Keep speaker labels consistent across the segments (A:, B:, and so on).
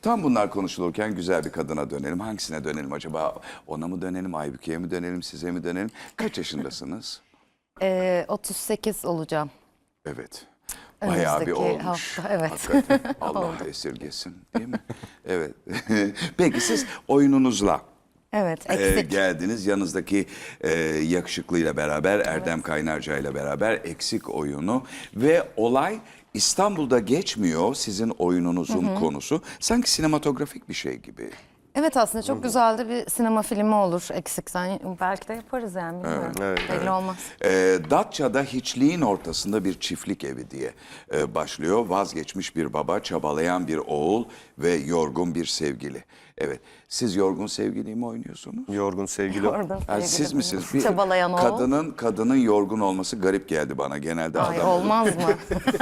A: Tam bunlar konuşulurken güzel bir kadına dönelim. Hangisine dönelim acaba? Ona mı dönelim, Aybüke'ye mi dönelim, size mi dönelim? Kaç yaşındasınız?
B: 38 olacağım.
A: Evet. Bayağı bir
B: Önümüzdeki
A: olmuş.
B: hafta, evet.
A: Hakikaten. Allah esirgesin, değil mi? Evet. Peki siz oyununuzla
B: Evet, eksik.
A: geldiniz. Yanınızdaki yakışıklıyla beraber, Erdem Kaynarca ile beraber eksik oyunu ve olay İstanbul'da geçmiyor sizin oyununuzun konusu. Sanki sinematografik bir şey gibi.
B: Evet, aslında çok güzel de bir sinema filmi olur eksikten. Belki de yaparız yani. Bilmiyorum. Belli olmaz.
A: Datça'da hiçliğin ortasında bir çiftlik evi diye başlıyor. Vazgeçmiş bir baba, çabalayan bir oğul ve yorgun bir sevgili. Evet, siz yorgun sevgiliyi mi oynuyorsunuz?
C: Yorgun sevgili.
B: Orada
A: Yani siz
B: sevgili
A: misiniz?
B: benim. Çabalayan oğul.
A: Kadının yorgun olması garip geldi bana genelde.
B: Ay,
A: adam.
B: olmaz mı?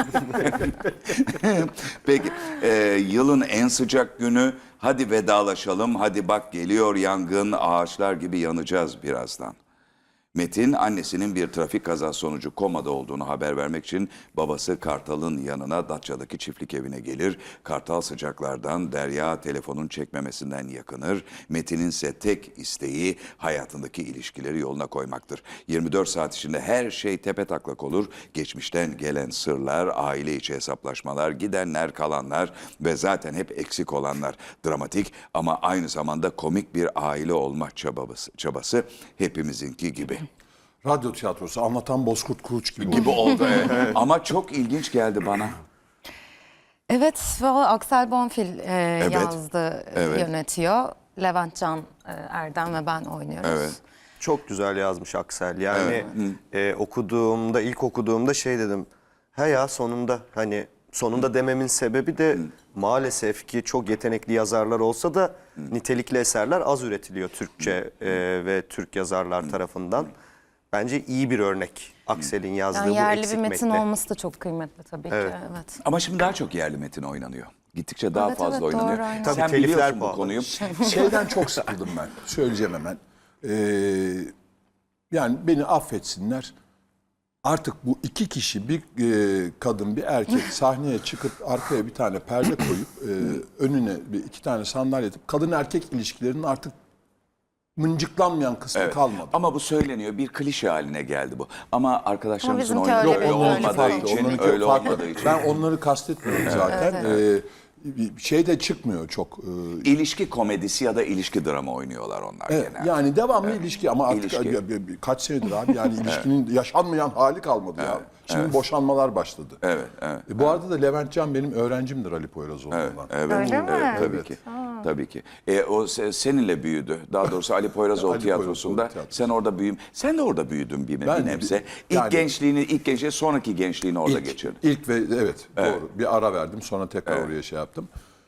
A: Peki, yılın en sıcak günü. Hadi vedalaşalım. Hadi bak geliyor yangın, ağaçlar gibi yanacağız birazdan. Metin annesinin bir trafik kazası sonucu komada olduğunu haber vermek için babası Kartal'ın yanına Datça'daki çiftlik evine gelir. Kartal sıcaklardan, Derya telefonun çekmemesinden yakınır. Metin'in ise tek isteği hayatındaki ilişkileri yoluna koymaktır. 24 saat içinde her şey tepetaklak olur. Geçmişten gelen sırlar, aile içi hesaplaşmalar, gidenler, kalanlar ve zaten hep eksik olanlar. Dramatik ama aynı zamanda komik bir aile olma çabası hepimizinki gibi.
D: Radyo tiyatrosu anlatan Bozkurt Kuruç gibi.
A: Gibi oldu. Evet. Ama çok ilginç geldi bana.
B: Evet, valla Aksel Bonfil yazdı,
A: evet.
B: yönetiyor. Levent Can, Erdem ve ben oynuyoruz.
A: Evet.
C: Çok güzel yazmış Aksel. Yani okuduğumda, ilk okuduğumda şey dedim. He ya sonunda, hani sonunda dememin sebebi de maalesef ki çok yetenekli yazarlar olsa da nitelikli eserler az üretiliyor Türkçe ve Türk yazarlar tarafından. Bence iyi bir örnek Aksel'in yazdığı
B: Yani
C: bu
B: yerli
C: eksik
B: bir metin
C: metni.
B: olması da çok kıymetli tabii ki. Evet.
A: Ama şimdi daha çok yerli metin oynanıyor. Gittikçe daha
B: Evet,
A: fazla
B: evet,
A: oynanıyor.
B: doğru, aynen.
C: Tabii
A: Sen
C: telifler
A: biliyorsun bu
C: pahalı.
A: konuyu.
D: Şeyden çok sıkıldım ben. Söyleyeceğim hemen. Yani beni affetsinler. Artık bu iki kişi, bir kadın, bir erkek sahneye çıkıp arkaya bir tane perde koyup önüne iki tane sandalye atıp kadın erkek ilişkilerinin artık mıncıklanmayan kısmı
A: Evet.
D: kalmadı.
A: Ama bu söyleniyor. Bir klişe haline geldi bu. Ama arkadaşlarımızın
B: Ama bizimki
A: oynadığı
B: öyle
A: öyle
B: değil, öyle
A: olmadığı
B: farklı.
A: için,
D: Onlarınki
A: öyle
D: farklı.
A: olmadığı için.
D: Ben onları kastetmiyorum zaten. Şey de çıkmıyor çok.
A: İlişki komedisi ya da ilişki drama oynuyorlar onlar
D: Evet,
A: genelde.
D: yani devamlı ilişki ama artık
A: İlişki.
D: kaç senedir abi yani ilişkinin yaşanmayan hali kalmadı ya. Şimdi boşanmalar başladı.
A: Evet, evet.
D: Bu arada da Levent Can benim öğrencimdir Ali Poyrazoğlu'ndan.
A: Evet,
B: Öyle mi?
A: evet, tabii ki. Tabii ki. O seninle büyüdü. Daha doğrusu Ali Poyrazoğlu
D: Ali
A: tiyatrosunda.
D: Poyrazoğlu tiyatrosu.
A: Sen orada büyüm. Sen de orada büyüdün bir
D: Ben de
A: nebze.
D: yani-
A: İlk gençliği, sonraki gençliğini orada geçirdin.
D: İlk ve evet, doğru. Bir ara verdim sonra tekrar oraya şey yaptım.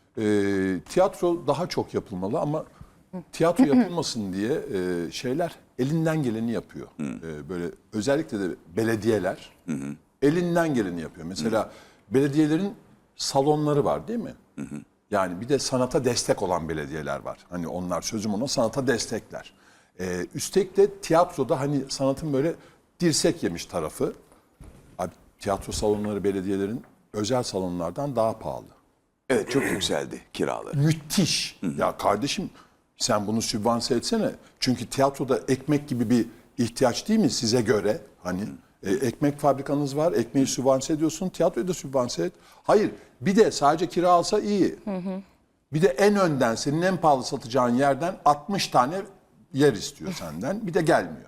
D: Tiyatro daha çok yapılmalı ama tiyatro yapılmasın diye şeyler elinden geleni yapıyor. Böyle özellikle de belediyeler elinden geleni yapıyor. Mesela belediyelerin salonları var değil mi? Yani bir de sanata destek olan belediyeler var. Hani onlar sözüm ona sanata destekler. Üstelik de tiyatroda hani sanatın böyle dirsek yemiş tarafı. Abi, tiyatro salonları belediyelerin özel salonlardan daha pahalı.
A: Evet, çok yükseldi kiraları.
D: Müthiş. Ya kardeşim sen bunu sübvanse etsene. Çünkü tiyatroda ekmek gibi bir ihtiyaç değil mi size göre? Hani ekmek fabrikanız var, ekmeği sübvanse ediyorsun, tiyatroyu da sübvanse et. Hayır, bir de sadece kira alsa iyi. Bir de en önden, senin en pahalı satacağın yerden 60 tane yer istiyor senden. Bir de gelmiyor.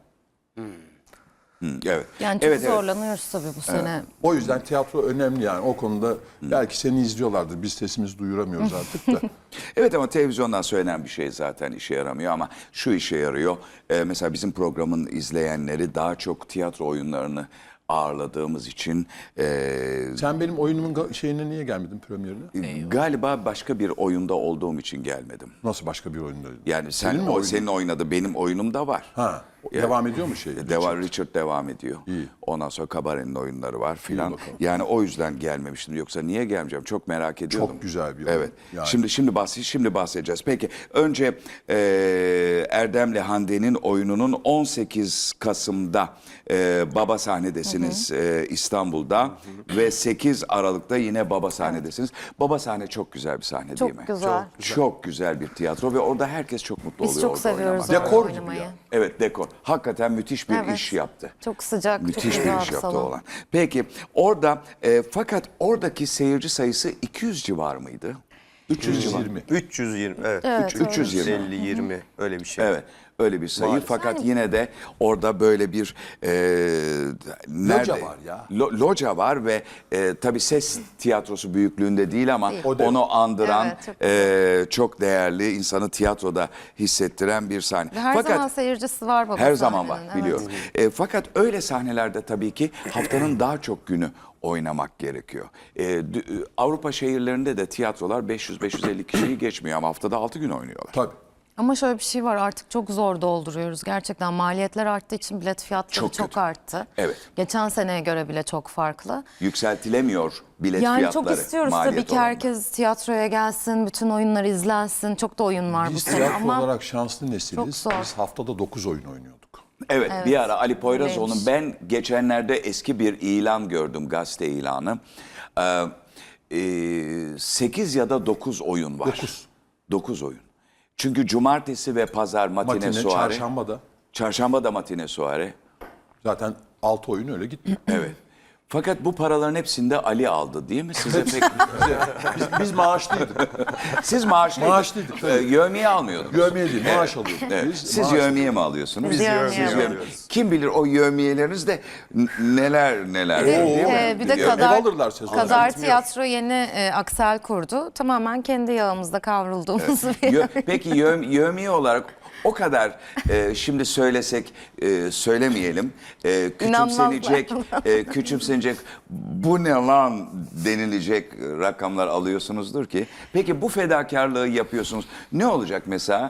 A: Evet.
B: Yani çok
A: evet,
B: zorlanıyoruz tabii bu sene.
D: O yüzden tiyatro önemli yani. O konuda belki seni izliyorlardır. Biz sesimizi duyuramıyoruz artık da.
A: Evet ama televizyondan söylenen bir şey zaten işe yaramıyor ama şu işe yarıyor. Mesela bizim programın izleyenleri daha çok tiyatro oyunlarını ağırladığımız için
D: Sen benim oyunumun şeyine niye gelmedin premierine?
A: galiba başka bir oyunda olduğum için gelmedim.
D: Nasıl başka bir oyunda?
A: Yani
D: Senin mi oyunun?
A: senin oynadı benim oyunum da var.
D: Ha. Devam ediyor mu şey?
A: Richard devam ediyor.
D: İyi.
A: Ondan sonra Kabare'nin oyunları var filan.
D: bakalım.
A: Yani o yüzden gelmemiştim. Yoksa niye gelmeyeceğim? Çok merak ediyordum.
D: Çok güzel bir oyun.
A: Evet.
D: Yani.
A: Şimdi bahsedeceğiz. Peki önce Erdem'le Hande'nin oyununun 18 Kasım'da Baba sahnedesiniz İstanbul'da ve 8 Aralık'ta yine Baba sahnedesiniz. Baba sahne çok güzel bir sahne değil mi?
B: Çok güzel.
A: Çok güzel bir tiyatro ve orada herkes çok mutlu
B: Biz
A: oluyor
B: çok
A: orada
B: seviyoruz
A: oynamak.
B: orada
D: Dekor gibi
B: oynamayı.
D: ya.
A: Evet, dekor. Hakikaten müthiş bir
B: Evet.
A: iş yaptı.
B: Çok sıcak,
A: Müthiş
B: çok
A: bir
B: güzel
A: iş yaptı
B: salon.
A: olan. Peki orada fakat oradaki seyirci sayısı 200 civar mıydı? 300 civar.
D: 120.
C: 320 evet.
B: Evet,
C: 350 20 öyle bir şey.
A: Evet. Öyle bir sayı.
C: Maalesef.
A: Fakat yine de orada böyle bir
D: Loca var ya.
A: Loca var ve tabii ses tiyatrosu büyüklüğünde değil ama
D: O değil.
A: onu andıran
B: Evet,
A: çok değerli, insanı tiyatroda hissettiren bir sahne.
B: Ve her zaman seyircisi var Baba
A: Her zaman var,
B: sahnenin, evet.
A: biliyorum. Fakat öyle sahnelerde tabii ki haftanın daha çok günü oynamak gerekiyor. Avrupa şehirlerinde de tiyatrolar 500-550 kişiyi geçmiyor ama haftada 6 gün oynuyorlar.
D: Tabii.
B: Ama şöyle bir şey var, artık çok zor dolduruyoruz. Gerçekten maliyetler arttığı için bilet fiyatları
A: Çok
B: çok
A: kötü.
B: arttı.
A: Evet.
B: Geçen seneye göre bile çok farklı.
A: Yükseltilemiyor bilet
B: Yani
A: fiyatları.
B: çok istiyoruz
A: maliyet
B: tabii ki
A: oranında.
B: herkes tiyatroya gelsin, bütün oyunlar izlensin. Çok da oyun var bu
D: Biz
B: sene
D: tiyatro
B: ama
D: olarak şanslı nesiliz.
B: çok zor.
D: Biz haftada 9 oyun oynuyorduk.
A: Evet, bir ara Ali
B: Öyleymiş.
A: Poyrazoğlu'nun, ben geçenlerde eski bir ilan gördüm, gazete ilanı. 8 ya da 9 oyun var.
D: 9.
A: 9 oyun. Çünkü cumartesi ve pazar matine,
D: Matine,
A: suare.
D: çarşamba da.
A: Çarşamba da matine suare.
D: Zaten 6 oyun öyle gitti.
A: Evet. Fakat bu paraların hepsini de Ali aldı değil mi? Size pek...
D: Biz maaşlıydık.
A: Siz maaşlıydık.
D: Maaşlıydık, tabii.
A: Yevmiye almıyordunuz.
D: Yövmiye değil, maaş alıyorduk.
A: Evet.
D: Biz
A: Siz
D: maaş-
A: yevmiye mi alıyorsunuz?
B: Biz yevmiye
C: alıyoruz.
A: Kim bilir o yevmiyelerinizde neler değil mi?
B: bir de
A: Biliyorum.
B: Kadar,
D: Ev alırlar sezonda.
B: Kadar Tiyatro yeni aksel kurdu. Tamamen kendi yağımızda kavrulduğumuz bir
A: Peki yevmiye olarak o kadar şimdi söylesek söylemeyelim, küçümsenecek bu ne lan denilecek rakamlar alıyorsunuzdur ki. Peki bu fedakarlığı yapıyorsunuz. Ne olacak mesela?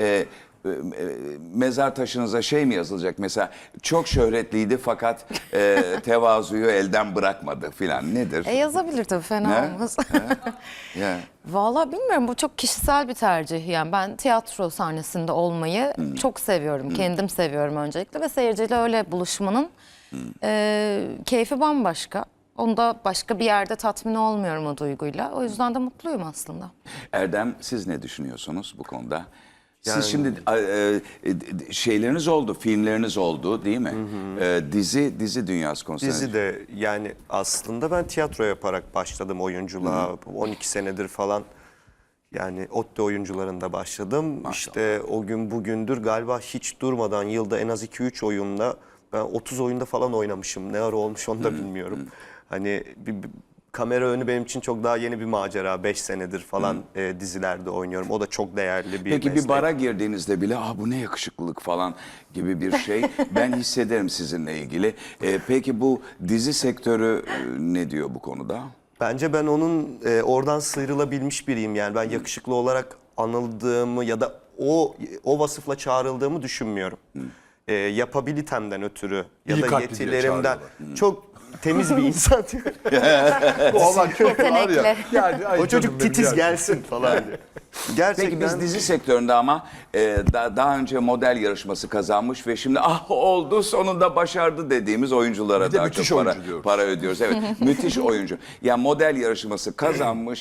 A: Mezar taşınıza şey mi yazılacak mesela, çok şöhretliydi fakat tevazuyu elden bırakmadı filan, nedir?
B: yazabilir tabii, fena
A: Ne?
B: olmaz.
A: Ya.
B: Vallahi bilmiyorum, bu çok kişisel bir tercih. Yani ben tiyatro sahnesinde olmayı çok seviyorum. Kendim seviyorum öncelikle ve seyirciyle öyle buluşmanın keyfi bambaşka. Onda başka bir yerde tatmin olmuyorum o duyguyla. O yüzden de mutluyum aslında.
A: Erdem, siz ne düşünüyorsunuz bu konuda? Siz
C: Yani-
A: şimdi şeyleriniz oldu, filmleriniz oldu değil mi? Dizi dünyası konusunda.
C: Dizi de yani aslında ben tiyatro yaparak başladım oyunculuğa. 12 senedir falan. Yani ODTÜ oyuncularında başladım. İşte o gün bugündür galiba hiç durmadan yılda en az 2-3 oyunla ben 30 oyunda falan oynamışım. Ne ara olmuş onu da bilmiyorum. Hani bir kamera önü benim için çok daha yeni bir macera. 5 senedir falan dizilerde oynuyorum. O da çok değerli bir
A: Peki
C: meslek.
A: bir bara girdiğinizde bile bu ne yakışıklılık falan gibi bir şey ben hissederim sizinle ilgili. Peki bu dizi sektörü ne diyor bu konuda?
C: Bence ben onun oradan sıyrılabilmiş biriyim. Yani ben yakışıklı olarak anıldığımı ya da o vasıfla çağrıldığımı düşünmüyorum. Yapabilitemden ötürü ya
D: İyi
C: da
D: kalpli diye
C: yetilerimden
D: çağırıyorlar.
C: çok temiz bir insan.
D: Bu olan çok var ya.
B: Yetenekli.
D: Yani, ay
C: O çocuk
D: canım benim
C: titiz
D: ya.
C: gelsin falan diye. Gerçekten
A: Peki biz dizi sektöründe ama daha önce model yarışması kazanmış ve şimdi oldu sonunda başardı dediğimiz oyunculara
D: Bir de
A: daha
D: müthiş
A: çok
D: oyuncu diyoruz.
A: para ödüyoruz. Evet, müthiş oyuncu. Yani model yarışması kazanmış,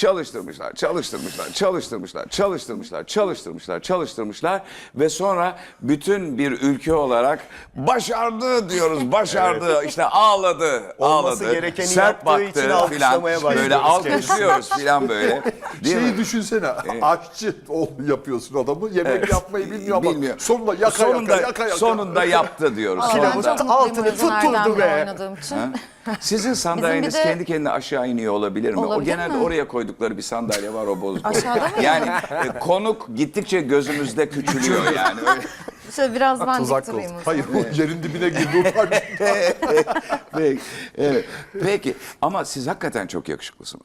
A: çalıştırmışlar ve sonra bütün bir ülke olarak başardı diyoruz, başardı. İşte ağladı,
C: Olması gerekeni
A: sert
C: yaptığı için
A: baktı filan.
C: alkışlamaya
A: Böyle
C: başlıyoruz
A: alkışlıyoruz filan böyle. Değil mi?
D: Şeyi düşünsene, aşçı yapıyorsun adamı, yemek yapmayı bilmiyor ama sonunda yaka.
A: Sonunda yaptı diyoruz.
B: Aa,
C: Pilavı
B: ben çok
C: altını
B: mutluyum Özden
C: tutturdu
B: Erdem'le
C: be.
B: oynadığım için.
A: Sizin sandalyeniz
B: de-
A: kendi kendine aşağı iniyor olabilir mi? O
B: Olabilir
A: genelde
B: mi?
A: oraya koydukları bir sandalye var, o bozdu.
B: Aşağıda mı?
A: Yani konuk gittikçe gözümüzde küçülüyor yani. Öyle.
B: Şöyle biraz ben dik
D: Tuzak
B: durayım
D: oldu.
B: o zaman.
D: Hayır, o yerin dibine girdi utanç.
A: Peki, evet. Peki ama siz hakikaten çok yakışıklısınız.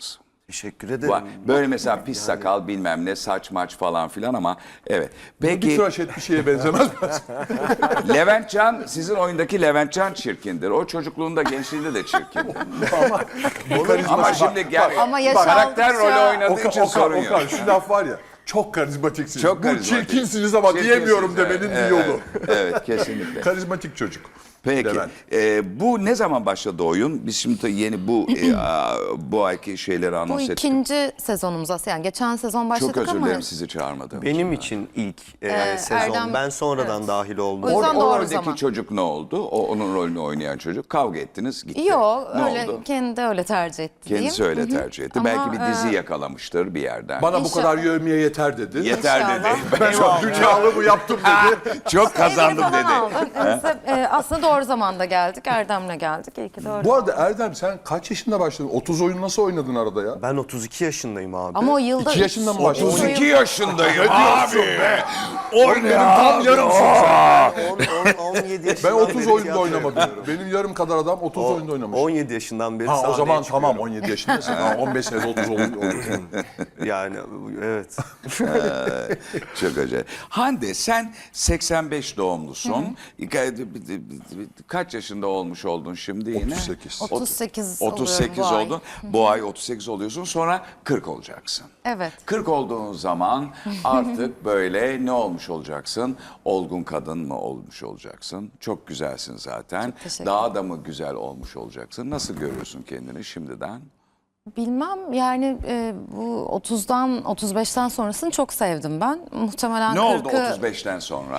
C: Teşekkür ederim.
A: Var. Böyle mesela pis sakal bilmem ne saç maç falan filan ama evet.
D: Bir
A: Peki
D: tıraş et bir şeye benzemez mi?
A: Leventcan sizin oyundaki Leventcan çirkindir. O çocukluğunda gençliğinde de çirkindir. Ama şimdi
B: Ama yaş
A: karakter
B: aldıkça-
A: rolü oynadığı için sorun yok.
D: Okan şu laf var ya. Çok karizmatiksiniz.
A: Çok
D: Bu
A: karizmatik.
D: çirkinsiniz ama
A: Çirkinsiniz,
D: diyemiyorum
A: evet.
D: demenin bir
A: Evet,
D: yolu.
A: Evet kesinlikle.
D: Karizmatik çocuk.
A: Peki.
D: Levent.
A: Bu ne zaman başladı oyun? Biz şimdi yeni bu ayki şeyleri
B: Bu
A: anons ettik.
B: ikinci sezonumuz aslında. Yani geçen sezon başladık
A: Çok özür
B: ama
A: dilerim sizi çağırmadım.
C: Benim için ilk sezon.
B: Erdem-
C: Ben sonradan dahil oldum.
B: O yüzden
A: O
B: doğru
A: roldeki
B: zaman.
A: çocuk ne oldu? Onun rolünü oynayan çocuk. Kavga ettiniz gitti.
B: Yok
A: Ne
B: öyle
A: oldu?
B: kendi öyle tercih etti diyeyim.
A: Kendisi öyle tercih etti.
B: Ama,
A: Belki bir dizi yakalamıştır bir yerden.
D: Bana bu
B: İnşallah.
D: kadar yövmeye yeter dedi.
A: Yeter
B: İnşallah.
A: dedi.
D: Ben çok dünyalı bu yaptım dedi.
A: Çok kazandım
B: Evini falan
A: dedi.
B: aldım. Aslında doğru zamanda geldik. Erdem'le geldik. İyi ki de öyle.
D: Bu arada Erdem sen kaç yaşında başladın? 30 oyun nasıl oynadın arada ya?
C: Ben 32 yaşındayım abi.
B: Ama o yılda
D: 2 yaşında mı başladın?
A: 32 yaşındayım abi.
D: Benim tam yarımsın sen.
C: 17 yaşından
D: Ben 30
C: beri
D: oyunda
C: tiyatro
D: oynamadım.
C: yapıyorum.
D: Benim yarım kadar adam 30 oyunda oynamış.
C: 17 yaşından beri
D: Ha o
C: sahneye
D: zaman
C: çıkıyorum.
D: tamam 17 yaşındasın. Ha, 15 senede 30 olur.
C: Yani evet.
A: Çok acayip. Hande sen 85 doğumlusun. Kaç yaşında olmuş oldun şimdi yine?
D: 38.
B: 38
A: 38
B: oluyorum bu ay.
A: oldun. Bu ay 38 oluyorsun sonra 40 olacaksın.
B: Evet.
A: 40 olduğun zaman artık böyle ne olmuş olacaksın? Olgun kadın mı olmuş olacaksın? Çok güzelsin zaten.
B: teşekkür
A: Daha da mı güzel olmuş olacaksın? Nasıl görüyorsun kendini şimdiden?
B: Bilmem yani bu 30'dan 35'ten sonrasını çok sevdim ben. Muhtemelen
A: Ne oldu
B: 40'ı
A: 35'ten sonra?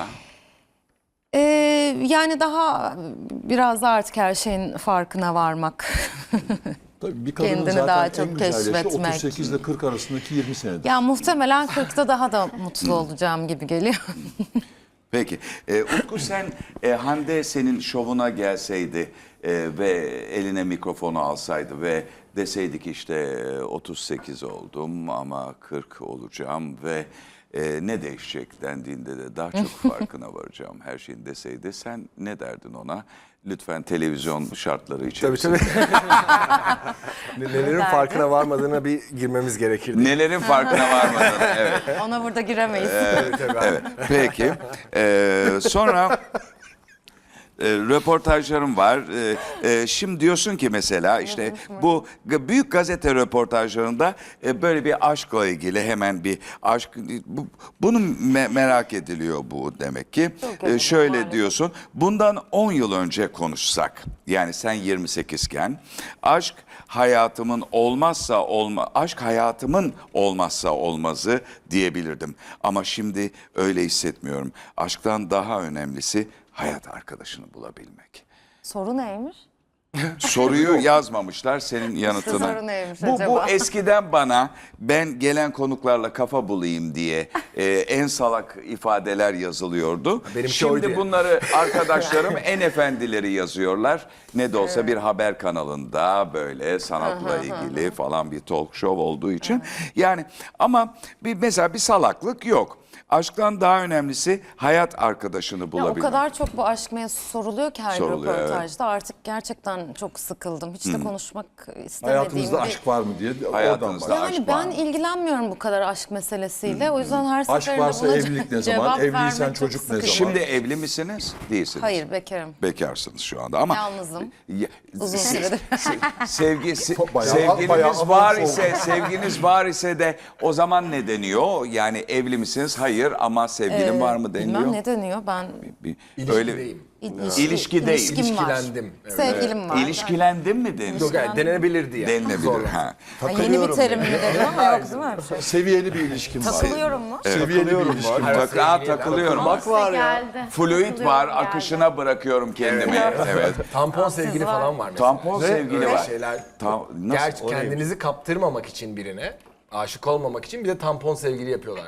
B: Yani daha biraz da artık her şeyin farkına varmak.
D: Tabii bir kadının
B: Kendini
D: zaten
B: daha
D: en
B: çok
D: güzel yaşı
B: keşfetmek.
D: 38 ile 40 arasındaki 20 senedir.
B: Ya muhtemelen 40'ta daha da mutlu olacağım gibi geliyor.
A: Peki. Utku sen Hande senin şovuna gelseydi ve eline mikrofonu alsaydı ve deseydi ki işte 38 oldum ama 40 olacağım ve ne değişecek dendiğinde de daha çok farkına varacağım her şeyin deseydi sen ne derdin ona? Lütfen televizyon şartları içerisinde.
E: Nelerin farkına varmadığına bir girmemiz gerekirdi.
A: Nelerin farkına varmadığını. Evet.
B: Ona burada giremeyiz.
A: Evet. Peki. Sonra röportajlarım var. Şimdi diyorsun ki mesela işte bu büyük gazete röportajlarında böyle bir aşkla ilgili hemen bir aşk bunu merak ediliyor bu demek ki. Şöyle
B: maalesef.
A: diyorsun. Bundan 10 yıl önce konuşsak yani sen 28 iken aşk hayatımın olmazsa olmazı diyebilirdim. Ama şimdi öyle hissetmiyorum. Aşktan daha önemlisi hayat arkadaşını bulabilmek.
B: Soru neymiş?
A: Soruyu yazmamışlar senin yanıtını.
B: soru neymiş
A: Bu
B: acaba?
A: eskiden bana ben gelen konuklarla kafa bulayım diye en salak ifadeler yazılıyordu.
E: Benimki oydu
A: Şimdi
E: ya.
A: bunları arkadaşlarım en efendileri yazıyorlar. Ne de olsa bir haber kanalında böyle sanatla ilgili falan bir talk show olduğu için. Yani ama mesela bir salaklık yok. Aşktan daha önemlisi hayat arkadaşını
B: Ya o
A: bulabilmek.
B: kadar çok bu aşk mevzusu soruluyor ki her
A: Soruluyor,
B: röportajda. Artık gerçekten çok sıkıldım. Hiç de konuşmak istemediğim
D: Hayatınızda
B: bir...
D: aşk var mı diye oradan
A: Hayatınızda
D: başlıyor.
A: aşk
B: Yani
A: var
B: ben
A: mı?
B: ilgilenmiyorum bu kadar aşk meselesiyle. O yüzden her
D: Aşk
B: seferinde
D: varsa
B: buna
D: evlilik ne zaman?
B: cevap
D: Evliysen
B: vermek çok
D: çocuk ne
B: sıkıcı.
D: zaman?
A: Şimdi evli misiniz? Değilsiniz.
B: Hayır, bekarım.
A: Bekarsınız şu anda ama
B: Yalnızım.
A: Ya-
B: Uzun süredir.
A: sevginiz var ise de o zaman ne deniyor? Yani evli misiniz? Hayır ama sevgilin var mı deniliyor?
B: Bilmem ne deniyor. Ben
E: İlişkideyim.
A: İlişki değil.
B: ilişkim var.
E: İlişkilendim. Evet.
B: Sevgilim var.
A: İlişkilendin mi deniliyor?
E: Yok yani denenebilirdi yani.
A: Denilebilir. Ha.
B: Yani yeni bir terim mi deniyor ama yok değil mi öyle bir şey?
D: Seviyeli bir ilişkin var.
B: Takılıyorum mu?
D: Seviyeli bir ilişkin var.
A: Takılıyorum.
C: Bak var ya.
A: Fluid var, akışına bırakıyorum kendimi. Evet.
E: Tampon sevgili
B: var.
E: falan var mesela.
A: Tampon sevgili
E: Öyle
A: var.
E: şeyler.
A: Nasıl?
E: Gerçi kendinizi kaptırmamak için birine, aşık olmamak için bir de tampon sevgili yapıyorlar şimdi.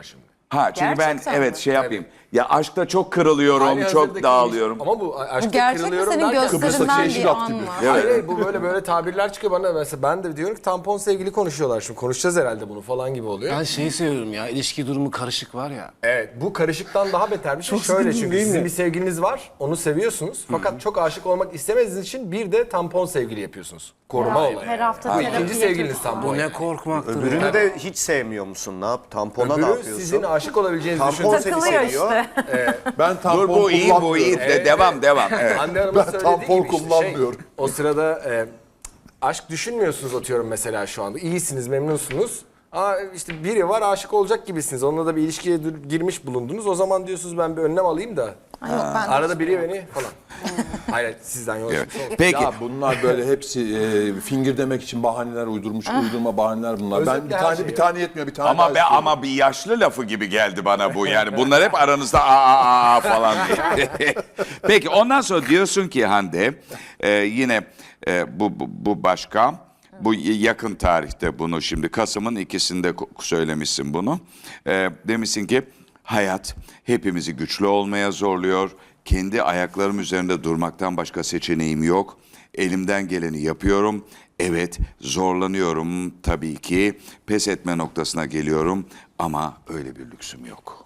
A: Ha çünkü ben
B: Gerçekten
A: evet
B: mi?
A: şey yapayım. Ya aşkta çok kırılıyorum,
E: Hali
A: çok
E: hazırdaki
A: dağılıyorum.
E: ilişki- Ama bu aşkta
B: Bu gerçek mi
E: kırılıyorum
B: senin
E: derken-
B: gösterinden
D: Yeşil
B: bir
D: at
B: an
D: gibi.
B: mı?
E: Hayır, hayır, bu böyle tabirler çıkıyor bana. Mesela ben de diyorum ki tampon sevgili konuşuyorlar şimdi. Konuşacağız herhalde bunu falan gibi oluyor.
F: Ben şeyi seviyorum ya, ilişki durumu karışık var ya.
E: Evet, bu karışıktan daha beter bir şey. Şöyle çünkü sizin bir sevgiliniz var, onu seviyorsunuz. Fakat çok aşık olmak istemediğiniz için bir de tampon sevgili yapıyorsunuz. Koruma olayı.
G: Her hafta
E: Bu
G: terapi
E: ikinci sevgiliniz
G: yapıyorsun.
E: tampon.
F: Bu ne korkmaktır
C: Öbürünü
F: ya.
C: de hiç sevmiyor musun? Ne yap? Tampona ne
E: Öbürü
C: yapıyorsun?
E: sizin aşık olabileceğinizi
C: Tampon
E: düşünüyorsunuz.
C: seni
G: Takılıyor
C: seviyor.
G: işte.
D: Ben tampon
A: Dur bu iyi, bu iyi.
D: kullanmıyorum.
A: Devam. Evet.
E: Hande Hanım'ın
D: Ben
E: söylediği
D: tampon
E: gibi işte
D: kullanmıyorum.
E: o sırada aşk düşünmüyorsunuz atıyorum mesela şu anda. İyisiniz, memnunsunuz. İşte biri var aşık olacak gibisiniz. Onunla da bir ilişkiye girmiş bulundunuz. O zaman diyorsunuz ben bir önlem alayım da.
B: Ay yok, ben de
E: Arada biri beni falan. Hayır sizden yola
A: Evet.
E: çıkmış olsun.
A: Peki.
D: Ya bunlar böyle hepsi finger demek için bahaneler uydurma bahaneler bunlar. Ben
E: Özetle her şey
D: bir tane yetmiyor, bir tane
A: Ama
D: daha
A: be
D: istiyorum.
A: ama bir yaşlı lafı gibi geldi bana bu. Yani bunlar hep aranızda aa falan diye. Peki ondan sonra diyorsun ki Hande yine bu başka. Bu yakın tarihte bunu şimdi Kasım'ın 2'sinde söylemişsin bunu. Demişsin ki hayat hepimizi güçlü olmaya zorluyor. Kendi ayaklarım üzerinde durmaktan başka seçeneğim yok. Elimden geleni yapıyorum. Evet zorlanıyorum tabii ki. Pes etme noktasına geliyorum ama öyle bir lüksüm yok.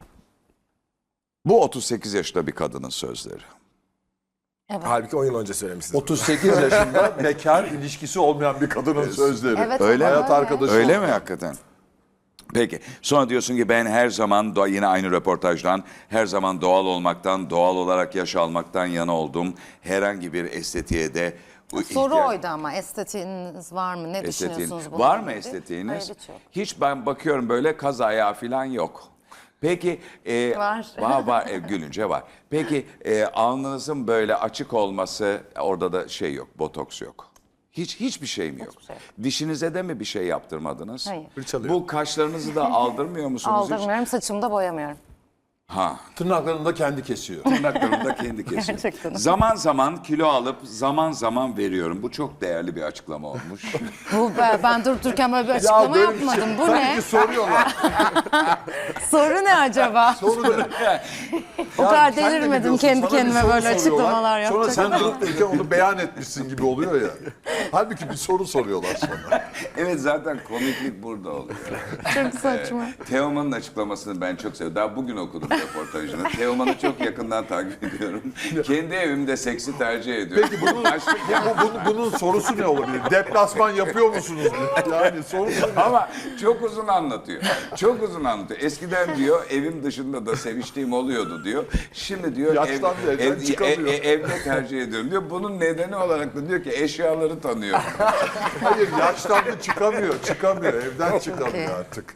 A: Bu 38 yaşında bir kadının sözleri.
E: Halbuki 10 yıl önce söylemişsiniz.
D: 38 yaşında bekar, ilişkisi olmayan bir kadının sözleri.
B: Evet,
A: Öyle mi?
D: Hayat arkadaşı.
A: Öyle mi hakikaten? Peki. Sonra diyorsun ki ben her zaman yine aynı röportajdan her zaman doğal olmaktan, doğal olarak yaş almaktan yana oldum. Herhangi bir estetiğe de
B: Soru oydu ama estetiğiniz var mı? Ne düşünüyorsunuz bununla
A: Var mı
B: ilgili?
A: estetiğiniz?
B: Hayır, hiç yok.
A: Hiç ben bakıyorum böyle kaz ayağı falan yok. Peki
B: Var.
A: var gülünce var. Peki alnınızın böyle açık olması orada da şey yok, botoks yok. Hiçbir şey mi yok?
B: şey yok.
A: Dişinize de mi bir şey yaptırmadınız?
B: Hayır.
A: Bu kaşlarınızı da aldırmıyor musunuz hiç?
B: Aldırmıyorum, saçımı da boyamıyorum.
A: Ha.
D: Tırnaklarını da kendi kesiyor.
A: Tırnaklarımı da kendi kesiyor.
B: Gerçekten.
A: Zaman zaman kilo alıp zaman zaman veriyorum. Bu çok değerli bir açıklama olmuş.
B: Ben durup dururken böyle bir açıklama yapmadım. Bu ne?
D: Soruyorlar.
B: Soru ne acaba? O kadar delirmedim kendi kendime böyle açıklamalar
D: Sonra
B: yapacak.
D: sen durup dururken onu beyan etmişsin gibi oluyor ya. Halbuki bir soru soruyorlar sana.
A: Evet zaten komiklik burada oluyor.
B: Çok saçma.
A: Teoman'ın açıklamasını ben çok seviyorum. Daha bugün okudum röportajını. Teoman'ı çok yakından takip ediyorum. Kendi evimde seksi tercih ediyorum.
D: Peki bunun sorusu ne olabilir? Deplasman yapıyor musunuz? Yani sorusu ne?
A: Ama çok uzun anlatıyor. Çok uzun anlatıyor. Eskiden diyor evim dışında da seviştiğim oluyordu diyor. Şimdi diyor
D: Yaşlandı, evden çıkamıyor.
A: evde tercih ediyorum diyor. Bunun nedeni olarak da diyor ki eşyaları tanıyor.
D: Hayır yaşlandı çıkamıyor. Evden çıkamıyor artık.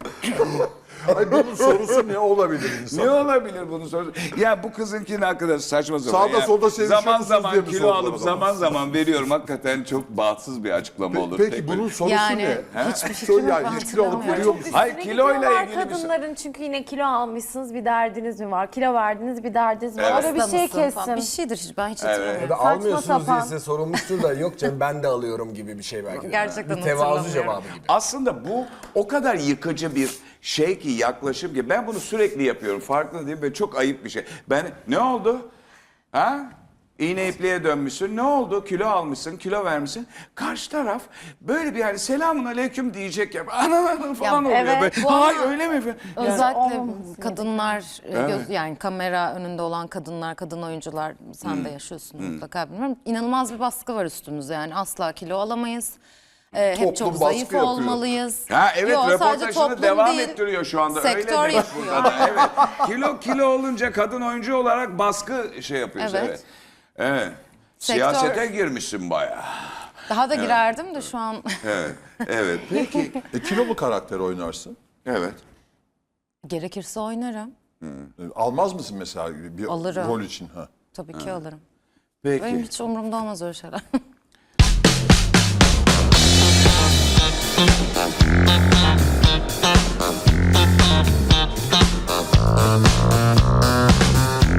D: Ay bunun sorusu ne olabilir insan?
A: Ne olabilir bunun sorusu? Ya bu kızınkini hakikaten saçma sapan.
D: Sağda
A: Yani
D: solda sevişiyor
A: zaman
D: musunuz
A: zaman
D: diye mi
A: kilo
D: sordular
A: alıp
D: o zaman?
A: zaman zaman veriyorum. Hakikaten çok bahtsız bir açıklama olur.
D: Peki
A: Tek
D: bunun
A: böyle.
D: sorusu
B: Yani
D: ne?
B: hiçbir fikrim yok.
D: Yani
B: ben
D: hiç kilo alıp
B: hatırlamıyorum.
D: veriyor musun?
A: Hayır
G: Sürekli
A: kiloyla
G: kilo var
A: ilgili bir şey.
G: kadınların çünkü yine kilo almışsınız bir derdiniz mi var? Kilo verdiniz bir derdiniz mi var?
A: Evet.
G: Öyle bir şey
B: Hasta mısın falan. Bir
G: kessin.
B: şeydir ben hiç hatırlamıyorum.
E: Ya da
G: Saçma
E: almıyorsunuz diye
G: sapan.
E: size sorulmuştur da yok canım ben de alıyorum gibi bir şey belki de.
B: Gerçekten
E: bir tevazu
B: hatırlamıyorum.
E: cevabı gibi.
A: Aslında bu o kadar yıkıcı bir şey ki yaklaşım ki ben bunu sürekli yapıyorum. Farkında değil ve çok ayıp bir şey. Ne oldu? Ha? İğne ipliğe dönmüşsün. Ne oldu? Kilo almışsın, kilo vermişsin. Karşı taraf böyle bir yani selamun aleyküm diyecek ya. Ana falan oluyor.
G: evet,
A: böyle.
G: bu ama-
A: Ay öyle mi?
B: Özellikle
G: olmaması
B: kadınlar, yani kamera önünde olan kadınlar, kadın oyuncular sen de yaşıyorsun mutlaka bilmiyorum. İnanılmaz bir baskı var üstümüzde yani asla kilo alamayız. Hep
D: Toplum
B: çok
D: baskı
B: zayıf
D: yapıyor.
B: olmalıyız.
A: Ha evet
B: Yo, sadece
A: röportajını
B: toplum
A: devam
B: değil,
A: ettiriyor şu anda.
B: sektör
A: Öyle demek
B: yapıyor.
A: burada da. Evet. Kilo olunca kadın oyuncu olarak baskı şey yapıyoruz.
B: Evet.
A: Evet. Evet.
B: Sektör-
A: Siyasete girmişsin bayağı.
B: Daha da girerdim de şu an
A: Evet. Evet. Peki.
D: Kilolu karakter oynarsın.
A: Evet.
B: gerekirse oynarım.
D: Almaz mısın mesela bir
B: Alırım.
D: rol için? Ha.
B: Tabii ki alırım.
A: Peki.
B: Benim hiç umurumda olmaz öyle şeyler.